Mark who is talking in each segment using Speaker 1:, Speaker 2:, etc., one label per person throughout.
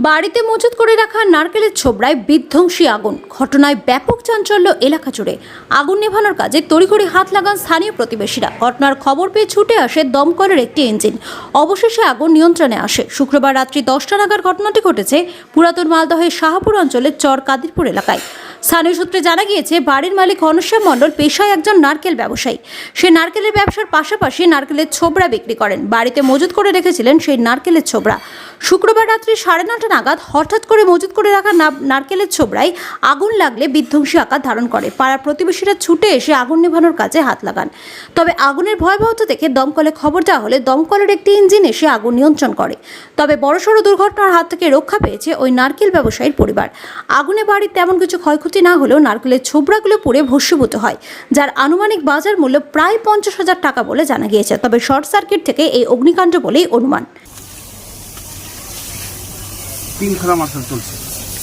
Speaker 1: বাড়িতে মজুত করে রাখা নারকেলের ছোবড়ায় বিধ্বংসী আগুন। ঘটনায় ব্যাপক চাঞ্চল্য এলাকা জুড়ে। আগুন নেভানোর কাজে তড়িঘড়ি হাত লাগান স্থানীয় প্রতিবেশীরা। ঘটনার খবর পেয়ে ছুটে আসে দমকলের একটি ইঞ্জিন। অবশেষে আগুন নিয়ন্ত্রণে আসে। শুক্রবার রাত্রি 10টা নাগাদ ঘটনাটি ঘটেছে পুরাতন মালদহের শাহপুর অঞ্চলের চর কাদিরপুর এলাকায়। স্থানীয় সূত্রে জানা গিয়েছে, বাড়ির মালিক ঘনশ্যাম মণ্ডল পেশায় একজন নারকেল ব্যবসায়ী। সে নারকেলের ব্যবসার পাশাপাশি নারকেলের ছোবড়া বিক্রি করেন। বাড়িতে মজুত করে রেখেছিলেন সেই নারকেলের ছোবড়া। শুক্রবার রাত্রি 9:30 নাগাদ হঠাৎ করে মজুত করে রাখা নারকেলের ছোবড়ায় আগুন লাগলে বিধ্বংসী আকার ধারণ করে। পাড়ার প্রতিবেশীরা ছুটে এসে আগুন নেভানোর কাজে হাত লাগান। তবে আগুনের ভয়াবহতা দেখে দমকলে খবর দেওয়া হলে দমকলের একটি ইঞ্জিন এসে আগুন নিয়ন্ত্রণ করে। তবে বড়সড় দুর্ঘটনার হাত থেকে রক্ষা পেয়েছে ওই নারকেল ব্যবসায়ীর পরিবার। আগুনে বাড়ির তেমন কিছু ক্ষয়ক্ষতি না হলেও নারকেলের ছোবড়াগুলো পুড়ে ভস্মীভূত হয়, যার আনুমানিক বাজার মূল্য প্রায় 50,000 টাকা বলে জানা গিয়েছে। তবে শর্ট সার্কিট থেকে এই অগ্নিকাণ্ড বলেই অনুমান।
Speaker 2: তিনখানা মার্শাল চলছে।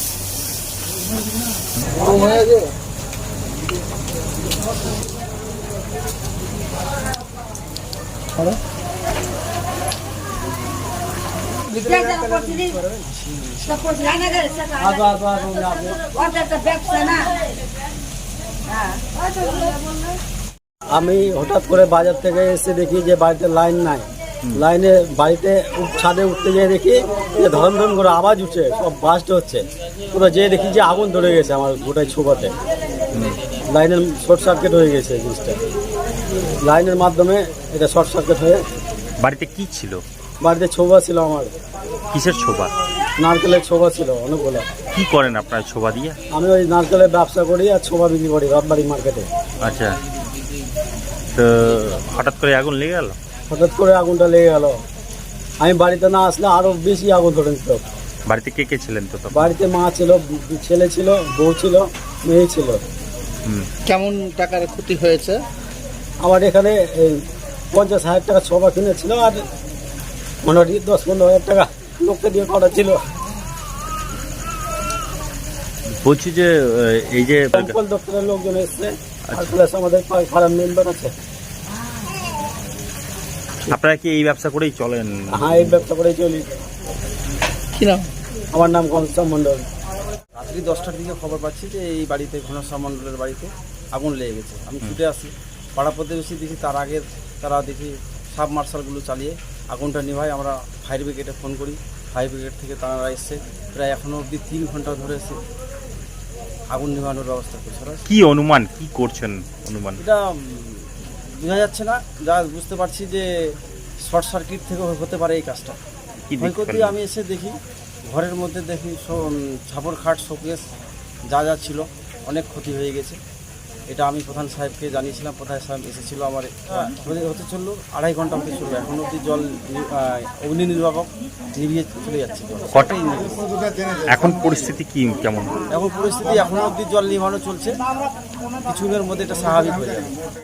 Speaker 3: আমি হঠাৎ করে বাজার থেকে এসে দেখি যে বাড়িতে লাইন নাই। লাইনে বাড়িতে ছাদে উঠতে গিয়ে দেখি যে ধরন ধরন করে আওয়াজ উঠছে, সব বাস্ট হচ্ছে। পুরো যেয়ে দেখি যে আগুন ধরে গেছে আমার গোটাই ছোবাতে। লাইনের শর্ট সার্কিট হয়ে গেছে জিনিসটা। লাইনের মাধ্যমে এটা শর্ট সার্কিট হয়ে।
Speaker 4: বাড়িতে কি ছিল?
Speaker 3: বাড়িতে ছোবা ছিল আমার।
Speaker 4: কিসের ছোবা?
Speaker 3: নারকেলের ছোবা ছিল অনেকগুলো।
Speaker 4: কি করেন আপনার ছোবা দিয়ে?
Speaker 3: আমি ওই নারকেলের ব্যবসা করি আর ছোবা বিক্রি করি রথবাড়ি মার্কেটে।
Speaker 4: আচ্ছা, তো হঠাৎ করে আগুন লেগে গেল?
Speaker 3: হঠাৎ করে আগুনটা লেগে গেল। আমি বাড়িতে না আসলে আরো বেশি আগুন ধরে নিত।
Speaker 4: বাড়িতে কে কে ছিলেন? তো
Speaker 3: বাড়িতে মা ছিল, ছেলে ছিল, বউ ছিল, মেয়ে ছিল।
Speaker 2: কেমন টাকার ক্ষতি হয়েছে?
Speaker 3: আমার এখানে 50,000 টাকা ছোবা কিনেছিল আর মোটামুটি 10-15,000 টাকা লোককে দিয়ে করা ছিল।
Speaker 4: বলছি যে এই যে
Speaker 3: দমকল দপ্তরের লোকজন এসছে আর প্লাস আমাদের পাড়ার মেম্বার আছে।
Speaker 4: আপনারা কি এই ব্যবসা করেই চলেন?
Speaker 3: হ্যাঁ, এই ব্যবসা করেই চলি।
Speaker 2: কি নাম?
Speaker 3: আমার নাম ঘনশ্যাম মণ্ডল।
Speaker 5: রাত্রি 10টার দিকে খবর পাচ্ছি যে এই বাড়িতে ঘনশ্যাম মণ্ডলের বাড়িতে আগুন লেগে গেছে। আমি ছুটে আসি, পাড়া প্রতিবেশী দেখি তার আগে তারা দেখি সাব মার্শালগুলো চালিয়ে আগুনটা নিভায়। আমরা ফায়ার ব্রিগেডে ফোন করি, ফায়ার ব্রিগেড থেকে তারা এসছে। প্রায় এখনও অবধি 3 ঘন্টা ধরে এসে আগুন নিভানোর ব্যবস্থা করছে।
Speaker 4: কি অনুমান, কি করছেন অনুমান?
Speaker 5: এটা বোঝা যাচ্ছে না, যা বুঝতে পারছি যে শর্ট সার্কিট থেকে হতে পারে এই কাজটা। ক্ষয়ক্ষতি আমি এসে দেখি ঘরের মধ্যে দেখি ছাপর খাট, শোকেস যা যা ছিল অনেক ক্ষতি হয়ে গেছে। এটা আমি প্রধান সাহেবকে জানিয়েছিলাম, প্রধান সাহেব এসেছিলো। আমার হতে চললো 2.5 ঘন্টা হতে চললো। এখন অবধি জল অগ্নি নির্বাপক নিভিয়ে চলে যাচ্ছে।
Speaker 4: এখন পরিস্থিতি কি কেমন?
Speaker 5: এখন পরিস্থিতি এখনো অবধি জল নিভানো চলছে, কিছুদিনের মধ্যে এটা স্বাভাবিক হয়ে যাবে।